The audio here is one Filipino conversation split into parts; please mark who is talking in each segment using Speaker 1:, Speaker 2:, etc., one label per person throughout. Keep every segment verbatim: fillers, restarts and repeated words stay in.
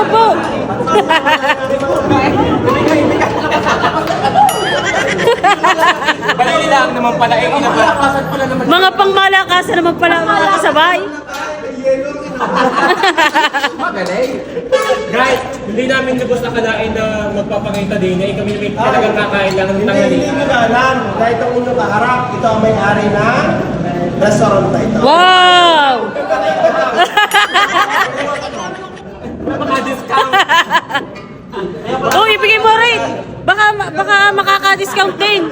Speaker 1: po.
Speaker 2: Balili lang naman pala. Eh, inakalakasan pala naman.
Speaker 1: Mga pangmalakasan naman pala mga kasabay.
Speaker 2: Magaling. Guys, hindi namin lubos na kalain na magpapangita din. Eh, kami may talagang kakain lang ng
Speaker 3: Hindi,
Speaker 2: tanghali.
Speaker 3: hindi mo na alam. Dahil itong inyong kaharap, ito ang may-ari ng restaurant na ito.
Speaker 1: Wow!
Speaker 2: Maka-discount.
Speaker 1: Oh, ibigay mo rin. Baka baka makaka-discount din.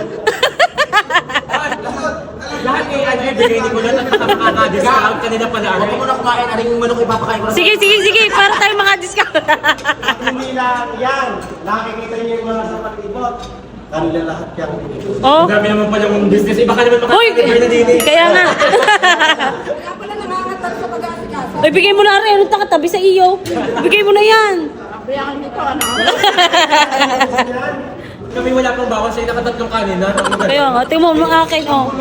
Speaker 2: Lahat ng ano ibigay ni Kulot at makaka-discount kanina pala. Huwag mo na kumain. Aring manok ipapakain ko.
Speaker 1: Sige, sige, sige. Para tayo maka-discount.
Speaker 3: Hindi lang yan. Nakikita niyo yung mga sa palibot. Kanila lahat yung pinipos.
Speaker 1: Oh.
Speaker 2: Ang dami naman pala yung business. Iba ka naman
Speaker 1: Uy,
Speaker 2: makaka-discount na din.
Speaker 1: kaya nga.
Speaker 4: Kaya pala nangangatal sa pag-aasikaso.
Speaker 1: Ay, bigay mo na rin. Anong takatabi sa iyo? Bigay mo na yan.
Speaker 4: Bayakan nito, ano?
Speaker 2: Kami wala pang bawas sa'yo. Nakatatlong kanina.
Speaker 1: Kaya nga. Tingnan mo, mga akin, oh.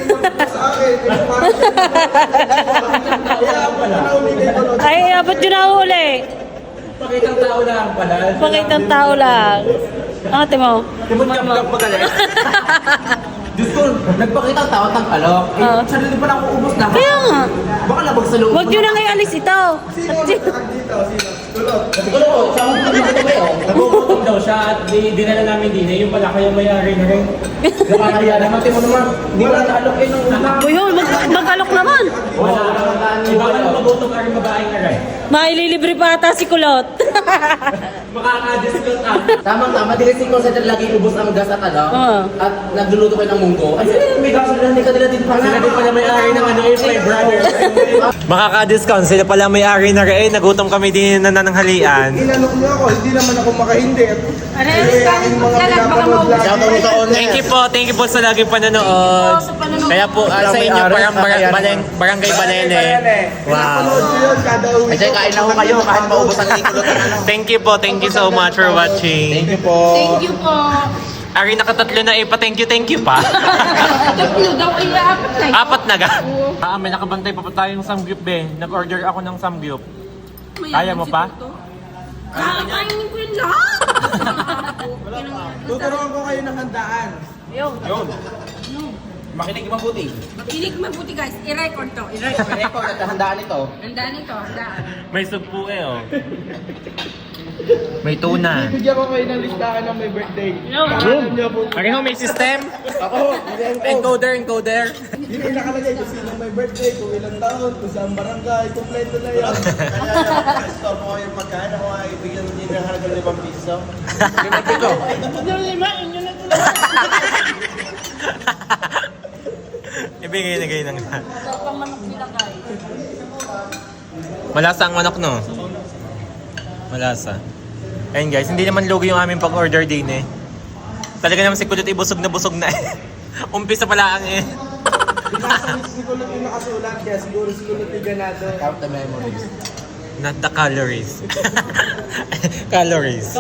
Speaker 1: Ay, abot yun na huli.
Speaker 2: Pakitang tao lang pala.
Speaker 1: Pakitang tao lang. Ang ate mo.
Speaker 2: Timot ka vlog magaling. Diyos ko, nagpakita ang tao ng alok. Eh,
Speaker 1: Oo.
Speaker 2: sarili pa lang ako ubos na.
Speaker 1: Kaya nga.
Speaker 2: Baka labag sa loob.
Speaker 1: Huwag nyo na ngayon alis ito.
Speaker 2: Siguro, sa mga dito ba yun? Nagugutom daw siya at di, dinala namin din. Eh, yung pala kayo may-ari na rin. Nakakaya naman. Timo naman, hindi wala na-alok eh nung una.
Speaker 1: Uy, yun, mag mag-alok naman.
Speaker 2: Wala. Iba ka na magutom ka rin babaeng na rin.
Speaker 1: Maililibre pa ata si Kulot.
Speaker 2: Makaka-discount ah.
Speaker 5: Tamang-tama, dili si Consider lagi ubos ang gas at ano,
Speaker 1: Oo.
Speaker 5: at nagluluto kayo ng munggo. Ay, sila may gas sila, hindi ka nila din pa
Speaker 2: Sila din pala may-ari ng ano yung my brother. Makaka-discount. Sila pala may-ari na rin. Nagutom kami din na nananghalian.
Speaker 3: Inanok niyo ako, hindi naman ako makahindi.
Speaker 4: Ano yung discount? Magkalat, baka maubos.
Speaker 2: Thank you po, thank you po sa laging panonood. Kaya po ah, sa inyo parang barang, barang, barangay Balene. Wow.
Speaker 5: Ay, siya, kain na ho kayo, kahit maubos ang ikulot ng ano.
Speaker 2: Thank you po, thank you so much for watching.
Speaker 5: you po.
Speaker 4: Thank you po.
Speaker 2: Ari nakatatlo na eh, pa thank you, thank you pa.
Speaker 4: Tatlo daw ay apat na.
Speaker 2: Apat na ga. Ah, may nakabantay pa pa tayong samgyup be. Nag-order ako ng samgyup. Kaya mo pa?
Speaker 4: Kakainin ko yun lahat.
Speaker 3: Tuturuan ko kayo ng handaan.
Speaker 1: Ayun.
Speaker 5: Makinig mabuti.
Speaker 4: Kinig mabuti guys. I-record to. I-record.
Speaker 5: Record at handaan ito.
Speaker 4: Handaan ito. Handaan.
Speaker 2: May sugpo eh oh. May tuna.
Speaker 3: Bigyan ko kayo ng listahan ng may birthday.
Speaker 2: Ari ho, may system?
Speaker 3: Ako,
Speaker 2: Encoder, encoder.
Speaker 3: yun yung nakalagay kung sino may birthday, kung ilang taon, kung saan barangay, kompleto na yun. Kaya, store po kayo pagkain, ako ay bigyan niyo ng halagang limang piso.
Speaker 5: Limang pito.
Speaker 2: Ibigay na kayo ng lahat. Malasa ang manok, no? Malasa. Ayun guys, hindi naman lugi yung aming pag-order din eh. Talaga naman si Kulot ibusog na busog na eh. Umpisa pala ang eh.
Speaker 3: Siguro yung nakasulat, kaya siguro siguro yung ganado.
Speaker 5: Count the memories.
Speaker 2: Not the calories. Calories.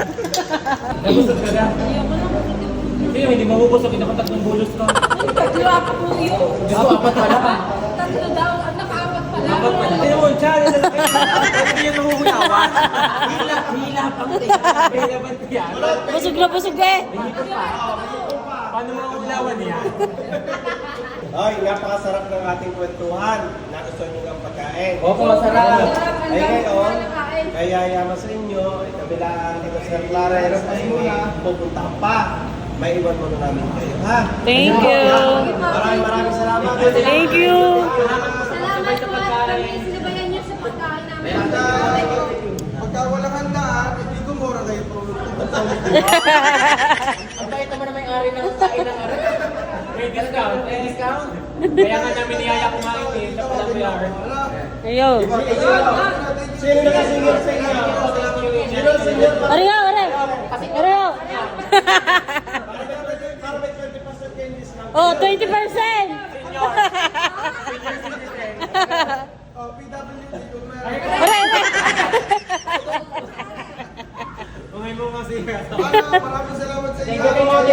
Speaker 2: Hindi, hindi mabubusog. Hindi ako tatlong bulos ka.
Speaker 4: Tatlo ako po yun.
Speaker 2: Gusto apat pala.
Speaker 4: Tatlo daw. At nakaapat pala.
Speaker 2: Apat pala. Ayun mo, challenge na lang. Hindi yan mahuhuyawan. Hila, hila pang hila ba yan?
Speaker 1: Busog na busog eh.
Speaker 2: Paano mahuhulawan yan?
Speaker 3: Ay, napakasarap ng ating kwentuhan. Nagustuhan nyo ng pagkain.
Speaker 2: Opo, masarap.
Speaker 3: Ay ngayon, kaya yaman sa inyo, ay kabila dito sa Clarence ay pupunta pa. May iwan mo na namin kayo, ha?
Speaker 1: Thank you.
Speaker 3: Maraming maraming salamat.
Speaker 1: Thank you.
Speaker 4: Salamat po at kami sinabayan niyo sa pagkain namin.
Speaker 3: Pagka walang handaan, hindi ko mura kayo
Speaker 5: Ang bait naman na may-ari ng kain ng ari.
Speaker 2: May discount. May discount. Kaya nga namin niyaya kumain eh. Siya pala may ari.
Speaker 1: Ayun.
Speaker 3: Sino nakasingil sa inyo? Sino senior?
Speaker 1: Ari nga, ari. Ari nga.
Speaker 3: Para may twenty percent kayo discount.
Speaker 1: Oh, twenty percent.
Speaker 3: Oh, P W D kung meron.
Speaker 1: Ari, ari.
Speaker 2: Umay mo kasi.
Speaker 3: Maraming salamat sa inyo.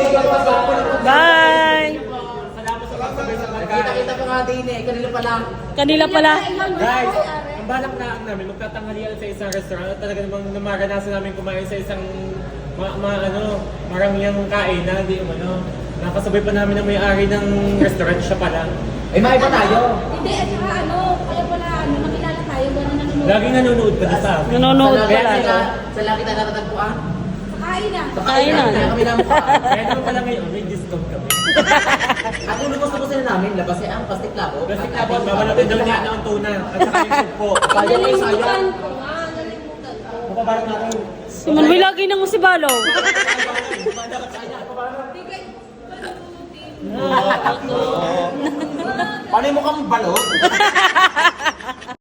Speaker 1: Bye.
Speaker 5: Kita-kita pa nga din eh, kanila pa lang.
Speaker 1: Kanila pala.
Speaker 2: Guys, ang balak na namin, magtatanghalian sa isang restaurant at talaga namang namaranasan namin kumain sa isang ma, ma ano, marangyang kainan, di ano. Nakasabay pa namin ang may-ari ng restaurant, siya pala.
Speaker 5: Eh, maiba tayo.
Speaker 4: Hindi, at saka ano, kaya pala, ano, nakilala tayo, gano'n nanonood.
Speaker 2: Laging nanonood ka na sa amin.
Speaker 1: Nanonood
Speaker 5: Sa
Speaker 1: pala.
Speaker 5: laki na, sa laki na natatagpuan.
Speaker 4: Kain na.
Speaker 1: Kain na.
Speaker 5: Kaya kami lang mukha.
Speaker 2: Kaya naman pala ngayon, may discount kami.
Speaker 5: At yung gusto ko sila namin, labas eh ang plastic labo.
Speaker 2: Kasi kapag babalapin daw niya ng tuna at saka yung tugpo.
Speaker 5: Kaya ko yung sayang.
Speaker 4: Nalimutan ko nga, nalimutan ko.
Speaker 2: Mapabarang natin.
Speaker 1: Si Manuel lagi nang si Balo.
Speaker 4: Hindi kayo, panunutin.
Speaker 5: Paano yung mukhang balot?